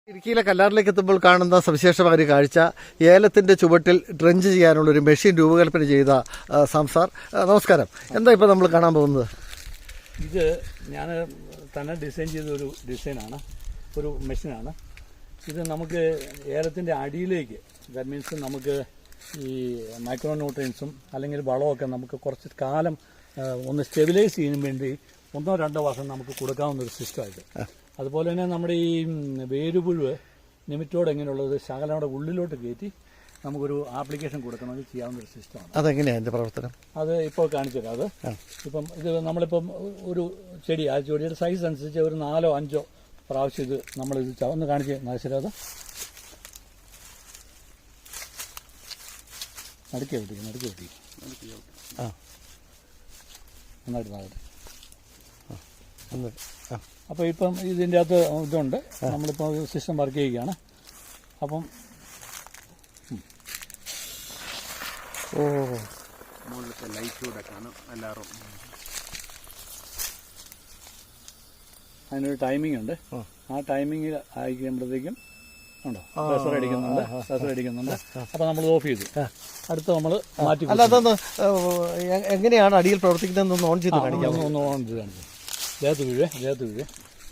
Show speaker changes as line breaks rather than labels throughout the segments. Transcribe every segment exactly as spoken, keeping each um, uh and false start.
ഇടുക്കിയിലെ കല്ലാറിലേക്ക് എത്തുമ്പോൾ കാണുന്ന സവിശേഷമായ ഒരു കാഴ്ച ഏലത്തിന്റെ ചുവട്ടിൽ ഡ്രഞ്ച് ചെയ്യാനുള്ള ഒരു മെഷീൻ രൂപകൽപ്പന ചെയ്ത സംസാർ. നമസ്കാരം. എന്താ ഇപ്പോൾ നമ്മൾ കാണാൻ പോകുന്നത്?
ഇത് ഞാൻ തന്നെ ഡിസൈൻ ചെയ്ത ഒരു ഡിസൈനാണ്, ഒരു മെഷീനാണ്. ഇത് നമുക്ക് ഏലത്തിൻ്റെ അടിയിലേക്ക്, ദാറ്റ് മീൻസ് നമുക്ക് ഈ മൈക്രോ ന്യൂട്രിയൻസും അല്ലെങ്കിൽ വളമൊക്കെ നമുക്ക് കുറച്ച് കാലം ഒന്ന് സ്റ്റെബിലൈസ് ചെയ്യാൻ വേണ്ടി ഒന്നോ രണ്ടോ വർഷം നമുക്ക് കൊടുക്കാവുന്ന ഒരു സിസ്റ്റമായിട്ട്. അതുപോലെ തന്നെ നമ്മുടെ ഈ വേരുപുഴുവ് നിമിറ്റോട് എങ്ങനെയുള്ളത് ശകലയുടെ ഉള്ളിലോട്ട് കയറ്റി നമുക്കൊരു ആപ്ലിക്കേഷൻ കൊടുക്കണമെങ്കിൽ ചെയ്യാവുന്ന ഒരു സിസ്റ്റമാണ്.
അതെങ്ങനെയാണ് അതിൻ്റെ പ്രവർത്തനം? അത്
ഇപ്പോൾ കാണിച്ചു തരാം. അത് ഇപ്പം ഇത് നമ്മളിപ്പം ഒരു ചെടി, ആ ചെടിയുടെ സൈസ് അനുസരിച്ച് ഒരു നാലോ അഞ്ചോ പ്രാവശ്യം ഇത് നമ്മളിത് ഒന്ന് കാണിച്ച് നശരം അത് നടുക്കി വിട്ടിരിക്കും നടുക്കി വിട്ടിരിക്കും ആ നന്നായിട്ട് നന്നായിട്ട്. അപ്പോൾ ഇപ്പം ഇതിൻ്റെ അകത്ത് ഇതുണ്ട്, നമ്മളിപ്പോൾ സിസ്റ്റം വർക്ക് ചെയ്യുകയാണ്. അപ്പം
ഓ
മുകളിലത്തെ ലൈറ്റ് കൂടെ കാണും എല്ലാവരും.
അതിനൊരു ടൈമിംഗ് ഉണ്ട്. ആ ടൈമിംഗ് അയക്കുമ്പോഴത്തേക്കും ഉണ്ടോ പ്രഷർ അടിക്കുന്നുണ്ട് പ്രഷർ അടിക്കുന്നുണ്ട് അപ്പോൾ നമ്മൾ ഓഫ് ചെയ്തു. അടുത്ത് നമ്മൾ മാറ്റി.
അല്ല, അതൊന്ന് എങ്ങനെയാണ് അടിയിൽ പ്രവർത്തിക്കുന്നതെന്ന് ഓൺ ചെയ്ത് കാണിക്കാം.
ഒന്ന് ഓൺ ചെയ്ത് കാണിക്കാം. ദേഹത്ത് വീഴേ ദേഹത്ത് വീഴേ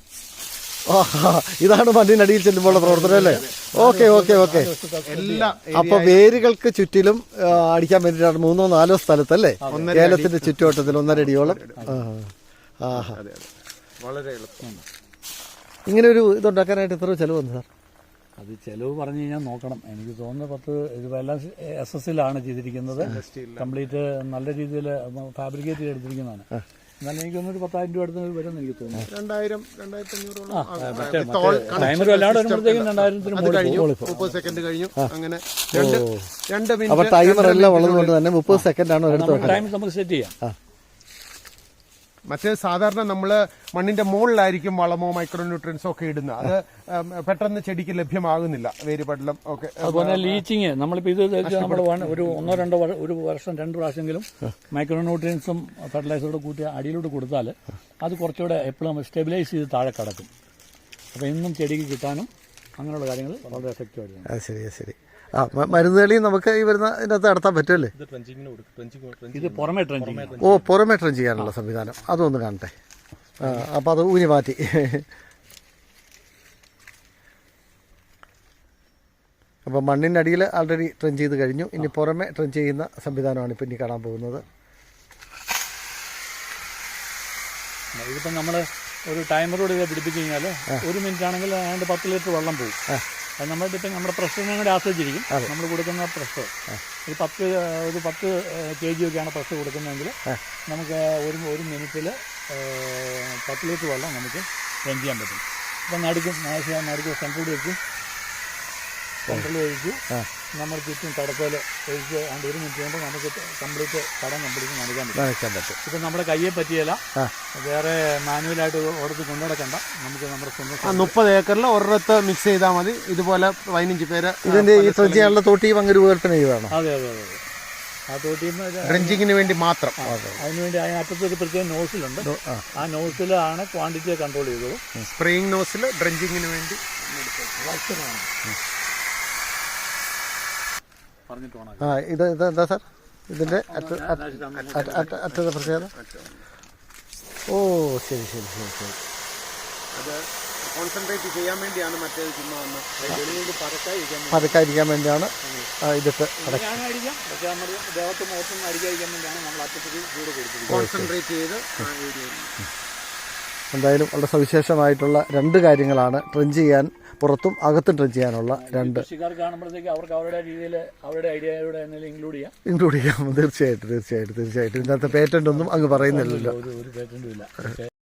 ഇതാണ് മണ്ണിനടിയിൽ ചെല്ലുമ്പോഴുള്ള പ്രവർത്തനം അല്ലേ? Okay okay okay. അപ്പൊ വേരുകൾക്ക് ചുറ്റിലും അടിക്കാൻ വേണ്ടിയിട്ടാണ് മൂന്നോ നാലോ സ്ഥലത്തല്ലേ ഏലത്തിന്റെ ചുറ്റുവട്ടത്തിൽ ഒന്നര അടിയോളം.
വളരെ എളുപ്പമാണ്.
ഇങ്ങനെ ഒരു ഇതുണ്ടാക്കാനായിട്ട് എത്ര ചെലവ് വന്നു സാർ?
അത് ചെലവ് പറഞ്ഞു കഴിഞ്ഞാൽ നോക്കണം. എനിക്ക് തോന്നുന്നത് പത്ത് ഇതെല്ലാം എസ് എസ് എല്ലാണ് ചെയ്തിരിക്കുന്നത്. കംപ്ലീറ്റ് നല്ല രീതിയിൽ ഫാബ്രിക്കേറ്റ് ചെയ്തെടുത്തിരിക്കുന്നതാണ്. എന്നാലും എനിക്കൊന്നൊരു പത്തായിരം രൂപ അടുത്ത് വരുമെന്ന് എനിക്ക് തോന്നുന്നു.
രണ്ടായിരം രണ്ടായിരത്തി അഞ്ഞൂറോളം
ടൈമർ അല്ലാണ്ട് വരുമ്പോഴത്തേക്കും രണ്ടായിരത്തിന്
മുപ്പത് സെക്കൻഡ് കഴിഞ്ഞു. അങ്ങനെ
അപ്പൊ ടൈമർ എല്ലാം ഉള്ളതുകൊണ്ട് തന്നെ മുപ്പത് സെക്കൻഡ് ആണ്
ടൈം നമുക്ക് സെറ്റ് ചെയ്യാം.
മറ്റേ സാധാരണ നമ്മൾ മണ്ണിന്റെ മുകളിലായിരിക്കും വളമോ മൈക്രോ ന്യൂട്രിയൻസോ ഒക്കെ ഇടുന്നത്. അത് പെട്ടെന്ന് ചെടിക്ക് ലഭ്യമാകുന്നില്ല, വേരുപടലം ഒക്കെ.
അതുപോലെ ലീച്ചിങ് നമ്മളിപ്പോൾ ഇത് നമ്മൾ ഒരു ഒന്നോ രണ്ടോ ഒരു വർഷം രണ്ട് പ്രാവശ്യമെങ്കിലും മൈക്രോ ന്യൂട്രിയൻസും ഫെർട്ടിലൈസറോട് കൂട്ടി അടിയിലോട്ട് കൊടുത്താൽ അത് കുറച്ചുകൂടെ എപ്പോഴും സ്റ്റെബിലൈസ് ചെയ്ത് താഴെ കിടക്കും. അപ്പോൾ ഇന്നും ചെടിക്ക് കിട്ടാനും അങ്ങനെയുള്ള കാര്യങ്ങൾ വളരെ എഫക്റ്റീവായിട്ട്.
ശരി ശരി. ആ മരുന്നുകളി നമുക്ക് ഈ വരുന്ന ഇതിനകത്ത് നടത്താൻ പറ്റുമല്ലേ?
ഇത് പുറമെ ട്രെഞ്ചിങ്.
ഓ, പുറമെ ട്രെഞ്ച് ചെയ്യാനുള്ള സംവിധാനം അതൊന്ന് കാണട്ടെ. അപ്പോൾ അത് ഊനി മാറ്റി. അപ്പോൾ മണ്ണിൻ്റെ അടിയിൽ ആൾറെഡി ട്രെഞ്ച് ചെയ്ത് കഴിഞ്ഞു. ഇനി പുറമെ ട്രെഞ്ച് ചെയ്യുന്ന സംവിധാനമാണ് ഇപ്പം ഇനി കാണാൻ പോകുന്നത്.
ഇതിപ്പം നമ്മൾ ഒരു ടൈമറോട് ഇത് പിടിപ്പിച്ച് കഴിഞ്ഞാൽ ഒരു മിനിറ്റ് ആണെങ്കിൽ ഏതാണ്ട് പത്ത് ലിറ്റർ വെള്ളം പോകും. അത് നമ്മുടെ ഇപ്പം നമ്മുടെ പ്രഷറിനെ കൂടെ ആശ്രയിച്ചിരിക്കും നമ്മൾ കൊടുക്കുന്ന പ്രഷർ. ഒരു പത്ത് ഒരു പത്ത് കെ ജി ഒക്കെയാണ് പ്രഷർ കൊടുക്കുന്നതെങ്കിൽ നമുക്ക് ഒരു ഒരു മിനിറ്റിൽ പത്ത് ലിറ്റർ വെള്ളം നമുക്ക് റൺ ചെയ്യാൻ പറ്റും. ഇപ്പം നടുക്കും നടുക്കും സെൻട്രൽ വെച്ച് സെൻട്രൽ ഒഴിച്ച് നമ്മൾ ചുറ്റും തടത്തോൽ ഒഴിച്ച് ആണ്ട് ഒരു മിനിറ്റ് കൊണ്ട് നമുക്ക് കംപ്ലീറ്റ് കടം കംപ്ലീറ്റ് നനയ്ക്കാൻ പറ്റും. ഇപ്പം നമ്മുടെ കയ്യെ പറ്റിയല്ല, വേറെ മാനുവലായിട്ട് ഓടത്ത് കൊണ്ടുനടക്കണ്ട. നമുക്ക് നമ്മുടെ സ്വന്തം
മുപ്പത് ഏക്കറിൽ ഒരിടത്ത് മിക്സ് ചെയ്താൽ മതി. ഇതുപോലെ പതിനഞ്ച് പേര്
ഇതിന്റെ ഈ ട്രെഞ്ച് ചെയ്യാനുള്ള തോട്ടിയും അങ്ങനെ രൂപകൽപ്പന ചെയ്യുകയാണ്.
അതെ അതെ അതെ. ആ തോട്ടിയും
ഡ്രഞ്ചിങ്ങിന് വേണ്ടി മാത്രം.
അതിനുവേണ്ടി അതിനകത്ത് ഒരു പ്രത്യേക നോസിലുണ്ട്. ആ നോസിലാണ് ക്വാണ്ടിറ്റിയെ കൺട്രോൾ ചെയ്തത്.
സ്പ്രേയിങ് നോസിൽ ഡ്രഞ്ചിങ്ങിന് വേണ്ടി
ആ ഇത് ഇത് എന്താ സാർ ഇതിന്റെ അറ്റത്തെ പ്രത്യേകത? ഓ ശരി ശരി ശരി ശരി.
അത് കോൺസെൻട്രേറ്റ് ചെയ്യാൻ വേണ്ടിയാണ്. മറ്റേത് ചുമ്മാ
പതുക്കായിരിക്കാൻ വേണ്ടിയാണ് ഇതിട്ട്
കോൺസെൻട്രേറ്റ് ചെയ്ത്.
എന്തായാലും വളരെ സവിശേഷമായിട്ടുള്ള രണ്ട് കാര്യങ്ങളാണ് ട്രെഞ്ച് ചെയ്യാൻ, പുറത്തും അകത്തും ട്രെഞ്ച് ചെയ്യാനുള്ള രണ്ട്.
കൃഷിക്കാർക്ക് കാണുമ്പോഴത്തേക്ക് അവർക്ക് അവരുടെ രീതിയിൽ അവരുടെ ഐഡിയയുടെ ഇൻക്ലൂഡ് ചെയ്യാം
ഇൻക്ലൂഡ് ചെയ്യാം തീർച്ചയായിട്ടും തീർച്ചയായിട്ടും തീർച്ചയായിട്ടും. ഇതിനകത്ത് പേറ്റന്റ് ഒന്നും അങ്ങ് പറയുന്നില്ലല്ലോ.
ഒരു പേറ്റന്റും ഇല്ല.